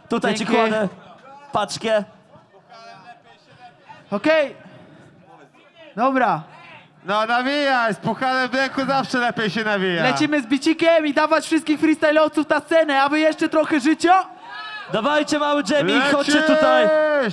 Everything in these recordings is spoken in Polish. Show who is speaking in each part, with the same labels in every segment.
Speaker 1: Tutaj
Speaker 2: Dzięki.
Speaker 1: ci kładę paczkę.
Speaker 2: Okej. Dobra.
Speaker 3: No nawijaj, z puchanem w ręku zawsze lepiej się nawija.
Speaker 2: Lecimy z bicikiem i dawać wszystkich freestyle'owców na scenę, a wy jeszcze trochę życia?
Speaker 1: Dawajcie mały Jamie, chodźcie tutaj.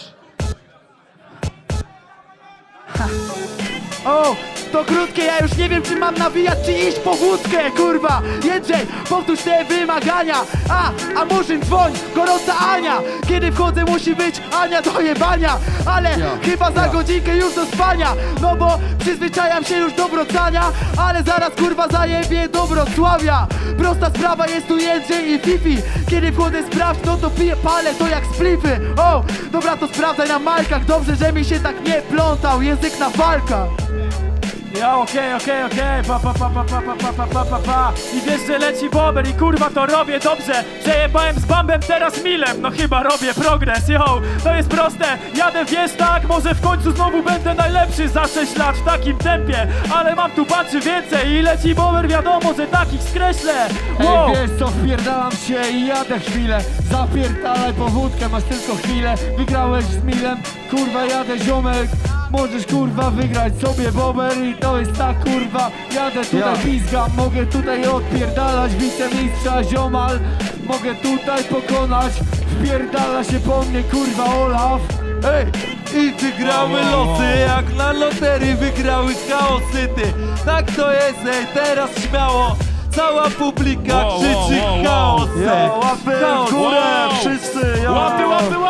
Speaker 2: O, to krótkie, ja już nie wiem, czy mam nawijać, czy iść po wódkę, kurwa! Jędrzej, powtórz te wymagania! A Murzyn, dzwoń, gorąca Ania! Kiedy wchodzę, musi być Ania do jebania! Ale chyba za godzinkę już do spania! No bo przyzwyczajam się już do wracania, ale zaraz, kurwa, zajebie do Wrocławia! Prosta sprawa, jest tu Jędrzej i Fifi! Kiedy wchodzę, sprawdź, no to piję, palę to jak splify! O, dobra, to sprawdzaj na majkach, dobrze, że mi się tak nie plątał, język na walkach!
Speaker 4: Ja okej, pa. I wiesz, że leci bober i kurwa to robię dobrze. Przejebałem z Bambem, teraz Milem, no chyba robię progres, yo. To jest proste, jadę wiesz tak, może w końcu znowu będę najlepszy za 6 lat w takim tempie. Ale mam tu patrzy więcej i leci bober, wiadomo, że takich skreślę. Wow.
Speaker 3: Ej, wiesz co, wpierdalam się i jadę chwilę. Zapierdalaj po wódkę, masz tylko chwilę. Wygrałeś z Milem, kurwa jadę ziomek. Możesz kurwa wygrać sobie bober i to jest tak kurwa. Jadę tutaj pizgam, mogę tutaj odpierdalać wicemistrza ziomal. Mogę tutaj pokonać, wpierdala się po mnie kurwa Olaf.
Speaker 5: Ej, i wygrały losy, jak na loterii wygrały chaosy, ty. Tak to jest, ej, teraz śmiało. Cała publika krzyczy chaos, ej.
Speaker 1: Łapy w górę, wszyscy, jo.
Speaker 4: Łapy!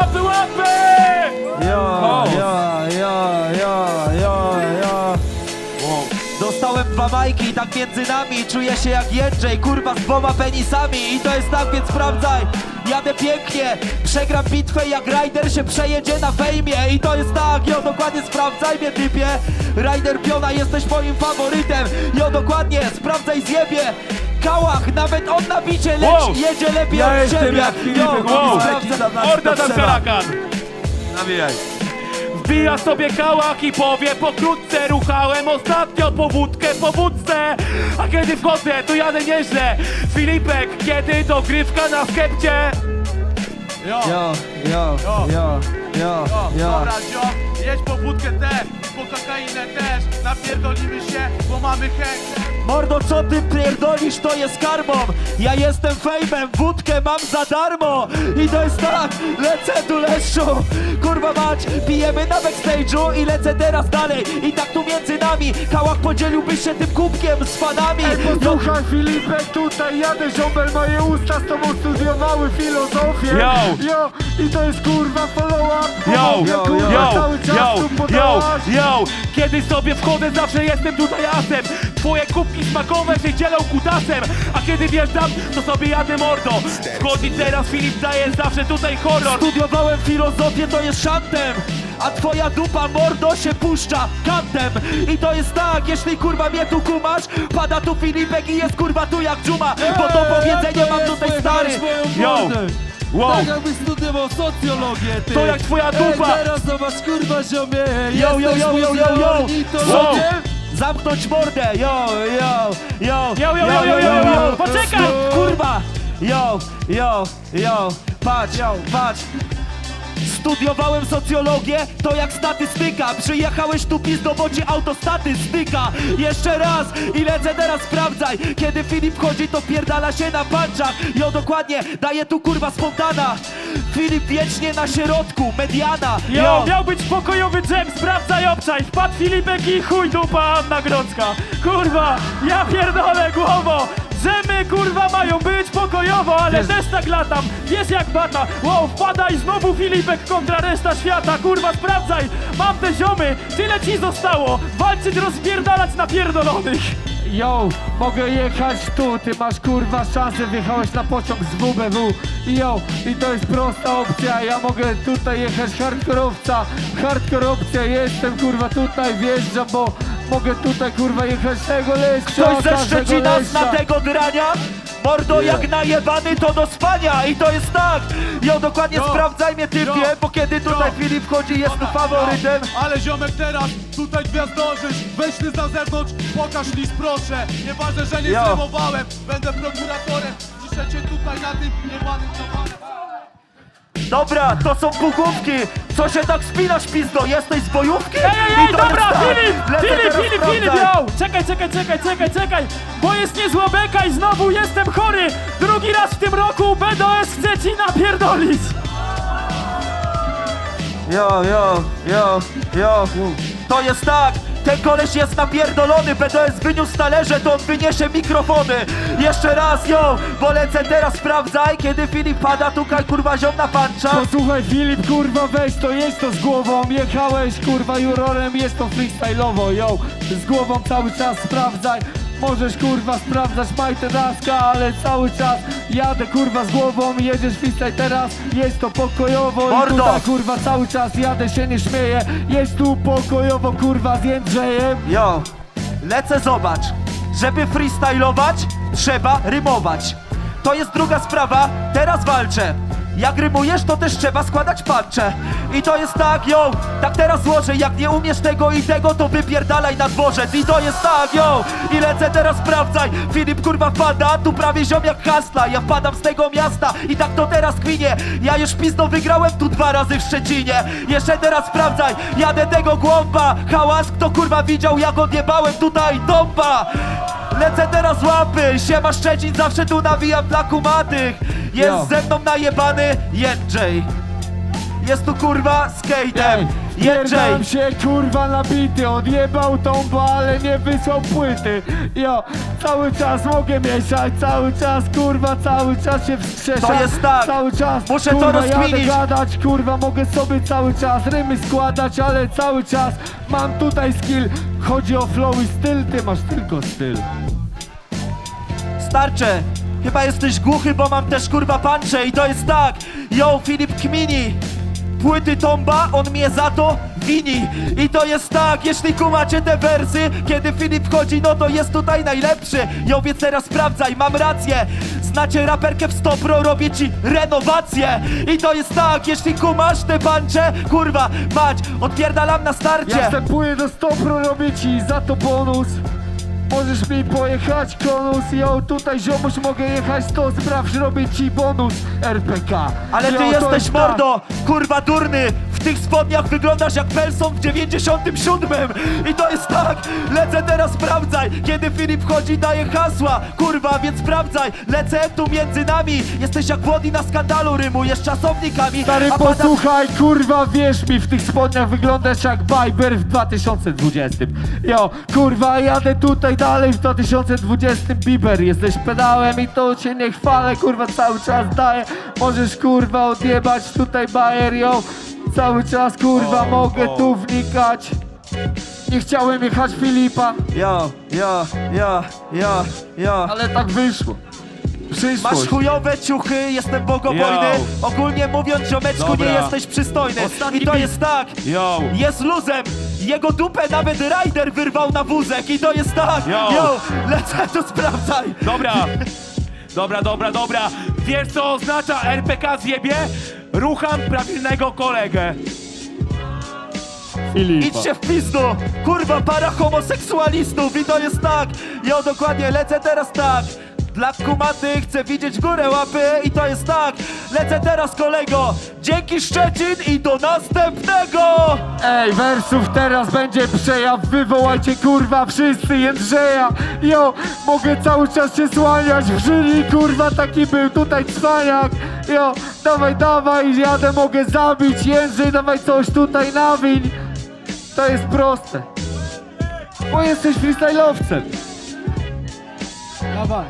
Speaker 1: Dostałem 2 majki i tak między nami czuję się jak Jędrzej, kurwa z 2 penisami. I to jest tak, więc sprawdzaj. Jadę pięknie, przegram bitwę jak Ryder się przejedzie na fejmie. I to jest tak, jo, dokładnie sprawdzaj mnie typie. Ryder Piona, jesteś moim faworytem. Jo, dokładnie, sprawdzaj zjebie. Kałach, nawet on na bicie leci, jedzie lepiej od ciebie.
Speaker 4: Orda tam karakan.
Speaker 5: Nawijaj.
Speaker 4: Wbija sobie kałach i powie pokrótce. Ruchałem ostatnio po wódce. A kiedy wchodzę, to jadę nieźle. Filipek, kiedy dogrywka na skepcie.
Speaker 6: Dobra, ziom, jedź po wódkę też i po kokainę też. Napierdolimy się, bo mamy chęć.
Speaker 1: Mordo, co ty pierdolisz, to jest karmą. Ja jestem fejmem, wódkę mam za darmo. I to jest tak, lecę tu leszczu. Kurwa mać, pijemy na backstage'u i lecę teraz dalej. I tak tu między nami, Kałach podzieliłbyś się tym kubkiem z fanami.
Speaker 3: Ej, posłuchaj Filipek, tutaj jadę ziombel, moje usta z tobą studiowały filozofię.
Speaker 4: Yo.
Speaker 3: I to jest kurwa follow-up.
Speaker 4: Yo, kiedy sobie wchodzę, zawsze jestem tutaj asem. Twoje kubki smakowe się dzielą kutasem. A kiedy wjeżdżam, to sobie jadę mordo. Wchodzi teraz Filip, daje zawsze tutaj horror.
Speaker 1: Studiowałem filozofię, to jest szantem. A twoja dupa mordo się puszcza kantem. I to jest tak, jeśli kurwa mnie tu kumasz, pada tu Filipek i jest kurwa tu jak dżuma. Bo to powiedzenie mam tutaj stary.
Speaker 4: Yo. Wow.
Speaker 5: Tak jakbyś studiował socjologię, ty.
Speaker 4: To jak twoja dupa.
Speaker 5: Teraz zobacz kurwa ziomie.
Speaker 1: Yo.
Speaker 5: Co?
Speaker 1: Zamknąć mordę, yo.
Speaker 4: Poczekaj.
Speaker 1: Kurwa, patrz. Studiowałem socjologię, to jak statystyka. Przyjechałeś tu pizdo, bo ci autostatystyka. Jeszcze raz i lecę teraz, sprawdzaj. Kiedy Filip chodzi, to pierdala się na punchach. Jo, dokładnie, daje tu kurwa spontana. Filip wiecznie na środku, mediana.
Speaker 4: Jo, miał być pokojowy dżem, sprawdzaj obszaj. Wpadł Filipek i chuj dupa Anna Grodzka. Kurwa, ja pierdolę głowo. Dżemy kurwa mają być pokojowo, ale też tak latam, wiesz jak bata. Wow, wpadaj, znowu Filipek kontra reszta świata. Kurwa, sprawdzaj, mam te ziomy, tyle ci zostało. Walczyć, rozpierdalać napierdolonych.
Speaker 3: Yo, mogę jechać tu, ty masz kurwa szansę, wjechałeś na pociąg z WBW. Yo, i to jest prosta opcja, ja mogę tutaj jechać hardcore opcja, jestem kurwa tutaj, wjeżdżam, bo mogę tutaj kurwa jechać tego leszcza.
Speaker 1: Ktoś ze Szczecina zna tego grania? Mordo, jak najebany to do spania. I to jest tak, jo, dokładnie sprawdzaj mnie typie, bo kiedy tutaj Filip wchodzi, jest tu faworytem.
Speaker 6: Ale ziomek teraz, tutaj gwiazdożysz. Weź ty na zewnątrz, pokaż list proszę. Nieważne, że nie zremowałem, będę prokuratorem. Piszę cię tutaj na tym niebanym towarem.
Speaker 1: Dobra, to są pugłówki. Co się tak spinasz, pizdo? Jesteś z bojówki?
Speaker 4: Ej,
Speaker 1: I to
Speaker 4: dobra,
Speaker 1: jest tak.
Speaker 4: Filip,
Speaker 1: Lecę teraz
Speaker 4: Filip,
Speaker 1: sprawdzać.
Speaker 4: yo! Czekaj, bo jest niezła beka i znowu jestem chory. Drugi raz w tym roku BDS chce ci napierdolić.
Speaker 1: Jo. To jest tak. Ten koleś jest napierdolony, BDS wyniósł talerze, to on wyniesie mikrofony. Jeszcze raz, bo lecę teraz, sprawdzaj, kiedy Filip pada, tukaj kurwa ziom na pancza.
Speaker 3: Posłuchaj Filip, kurwa weź to, jedź to z głową. Jechałeś kurwa jurorem, jest to freestyle'owo, yo. Z głową cały czas sprawdzaj. Możesz kurwa sprawdzać majteraska, ale cały czas jadę kurwa z głową. Jedziesz freestyle teraz, jest to pokojowo.
Speaker 1: Mordo!
Speaker 3: I tutaj kurwa cały czas jadę, się nie śmieję. Jest tu pokojowo kurwa z Jędrzejem.
Speaker 1: Lecę, zobacz. Żeby freestylować, trzeba rymować. To jest druga sprawa, teraz walczę. Jak rymujesz, to też trzeba składać puncze. I to jest tak, tak teraz złożę. Jak nie umiesz tego i tego, to wypierdalaj na dworzec. I to jest tak, i lecę teraz, sprawdzaj. Filip kurwa wpada, tu prawie ziom jak hasla. Ja wpadam z tego miasta i tak to teraz kwinie. Ja już pizdo wygrałem tu 2 razy w Szczecinie. Jeszcze teraz sprawdzaj, jadę tego głąba. Hałas, kto kurwa widział, jak odjebałem tutaj dąba. Lecę teraz łapy, siema Szczecin, zawsze tu nawijam dla kumatych. Jest ze mną najebany Jędrzej. Jest tu kurwa skatem Jędrzej.
Speaker 3: Pierdam się kurwa nabity, odjebał tą ale nie wysłał płyty. Cały czas mogę mieszać, cały czas kurwa, cały czas się wskrzeszam.
Speaker 1: To jest tak,
Speaker 3: cały czas
Speaker 1: muszę to
Speaker 3: kurwa,
Speaker 1: rozkminić.
Speaker 3: jadę gadać, kurwa mogę sobie cały czas rymy składać, ale cały czas mam tutaj skill. Chodzi o flow i styl, ty masz tylko styl.
Speaker 1: Starcze, chyba jesteś głuchy, bo mam też kurwa puncze. I to jest tak, Filip kmini. Płyty tomba, on mnie za to wini. I to jest tak, jeśli kumacie te wersy, kiedy Filip wchodzi, no to jest tutaj najlepszy. Więc teraz sprawdzaj, mam rację. Znacie raperkę w 100 Pro, robię ci renowację. I to jest tak, jeśli kumasz te puncze, kurwa, mać, odpierdalam na starcie.
Speaker 3: Ja wstępuję do 100 Pro, robię ci za to bonus. Możesz mi pojechać konus, tutaj ziomuś mogę jechać, to sprawdź, robię ci bonus RPK.
Speaker 1: Ale ty
Speaker 3: to
Speaker 1: jesteś
Speaker 3: jest tak.
Speaker 1: mordo, kurwa durny. W tych spodniach wyglądasz jak Pelson w 97. I to jest tak, lecę teraz, sprawdzaj. Kiedy Filip wchodzi, daje hasła. Kurwa, więc sprawdzaj, lecę tu między nami. Jesteś jak Włodi na skandalu, rymujesz czasownikami.
Speaker 3: Stary,
Speaker 1: a pada-
Speaker 3: posłuchaj, kurwa, wierz mi, w tych spodniach wyglądasz jak Bieber w 2020. Kurwa, jadę tutaj dalej w 2020. Bieber, jesteś pedałem i to cię nie chwalę, kurwa, cały czas daję. Możesz, kurwa, odjebać tutaj bajer, cały czas, kurwa, mogę tu wnikać. Nie chciałem jechać Filipa, ale tak wyszło. Przyszłość.
Speaker 1: Masz chujowe ciuchy, jestem bogobojny. Ogólnie mówiąc, ziomeczku,
Speaker 4: Dobra.
Speaker 1: nie jesteś przystojny.
Speaker 4: Ostatni
Speaker 1: I to
Speaker 4: beat.
Speaker 1: jest tak, jest luzem. Jego dupę nawet Ryder wyrwał na wózek. I to jest tak, lecę tu, sprawdzaj.
Speaker 6: Dobra. Wiesz co oznacza RPK zjebie? Rucham prawilnego kolegę.
Speaker 3: Filipa.
Speaker 1: Idźcie w pizdu, kurwa, para homoseksualistów. I to jest tak, dokładnie, lecę teraz tak. Dla kumaty chcę widzieć w górę łapy. I to jest tak, lecę teraz, kolego. Dzięki Szczecin i do następnego.
Speaker 3: Ej, wersów teraz będzie przejaw, wywołajcie kurwa wszyscy Jędrzeja. Mogę cały czas się słaniać w żyli, kurwa, taki był tutaj cwaniak. Dawaj, jadę, mogę zabić. Jędrzej, dawaj coś tutaj nawiń. To jest proste, bo jesteś freestyle'owcem. Dawaj.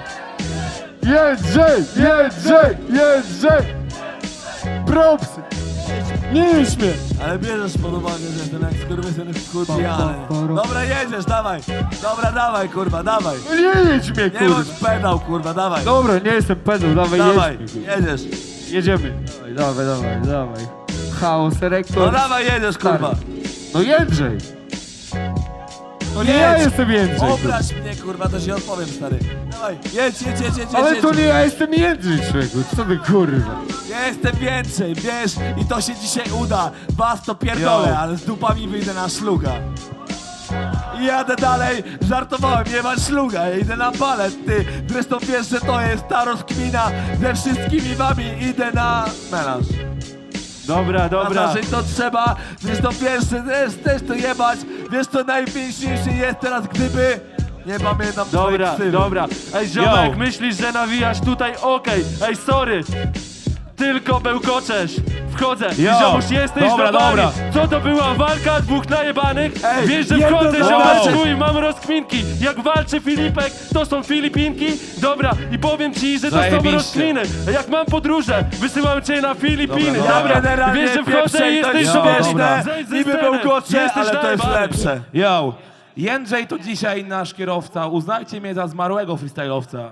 Speaker 3: Jędrzej! Propsy! Nie śmiej!
Speaker 5: Ale bierzesz pod uwagę, że ten jak skurwysyn w kurwiany. Dobra, jedziesz, dawaj. Dobra, dawaj, kurwa, dawaj.
Speaker 3: Nie jedź mnie,
Speaker 5: Nie
Speaker 3: kurwa!
Speaker 5: bądź pedał, kurwa, dawaj.
Speaker 3: Dobra, nie jestem pedał, dawaj,
Speaker 5: Dawaj,
Speaker 3: jedź mnie, kurwa.
Speaker 5: jedziesz.
Speaker 3: Jedziemy. Dawaj. Chaos,
Speaker 5: No
Speaker 3: rekord.
Speaker 5: dawaj, jedziesz, kurwa.
Speaker 3: No Jędrzej! No nie
Speaker 5: Jedź.
Speaker 3: ja jestem Jędrzej, kurwa.
Speaker 5: Obraź mnie, kurwa, to ci odpowiem, stary. Dawaj, jedź.
Speaker 3: Ale to nie ja jestem Jędrzej, człowieku, co ty kurwa?
Speaker 5: Ja jestem więcej, wiesz, i to się dzisiaj uda. Was to pierdolę,
Speaker 3: Yo.
Speaker 5: ale z dupami wyjdę na szluga. I jadę dalej, żartowałem, nie ma szluga, ja idę na balet, ty. Zresztą wiesz, że to jest ta rozkmina ze wszystkimi wami, idę na melanż. Dobra, dobra.
Speaker 6: Żyć to trzeba, wiesz to pierwsze, też to jebać. Wiesz to najpiękniejszy jest teraz, gdyby nie pamiętam twojej
Speaker 5: Dobra,
Speaker 6: ksywy.
Speaker 5: dobra. Ej, ziomek, myślisz, że nawijasz tutaj? Okej. Ej, sorry. Tylko bełkoczesz. Wchodzę.
Speaker 6: Yo.
Speaker 5: Ziomuś, jesteś
Speaker 6: Dobra,
Speaker 5: za nami.
Speaker 6: dobra.
Speaker 5: Co to była walka dwóch najebanych?
Speaker 6: Ej,
Speaker 5: Wiesz, że
Speaker 6: jedno
Speaker 5: wchodzę,
Speaker 6: za
Speaker 5: ziomeczku,
Speaker 6: walczy.
Speaker 5: i mam rozkminki. Jak walczy Filipek, to są Filipinki. Dobra, i powiem ci, że to są
Speaker 6: Zajebiście.
Speaker 5: rozkminy. Jak mam podróże, wysyłam cię na Filipiny.
Speaker 6: Ja
Speaker 5: Dobra,
Speaker 6: generalnie
Speaker 5: wiesz, że wchodzę
Speaker 6: pierwsze
Speaker 5: i
Speaker 6: i to
Speaker 5: jesteś
Speaker 6: jest
Speaker 5: śmieszne.
Speaker 6: śmieszne.
Speaker 5: Zejdź ze
Speaker 6: Niby
Speaker 5: sceny.
Speaker 6: bełkocze,
Speaker 5: Jesteś
Speaker 6: ale to jest
Speaker 5: najebany.
Speaker 6: lepsze.
Speaker 2: Yo, Jędrzej to dzisiaj nasz kierowca, uznajcie mnie za zmarłego freestyle'owca.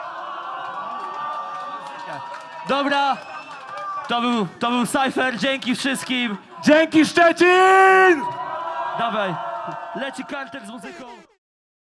Speaker 4: Dobra, to był Cypher, dzięki wszystkim.
Speaker 6: Dzięki Szczecin!
Speaker 4: Dawaj, leci kartel z muzyką.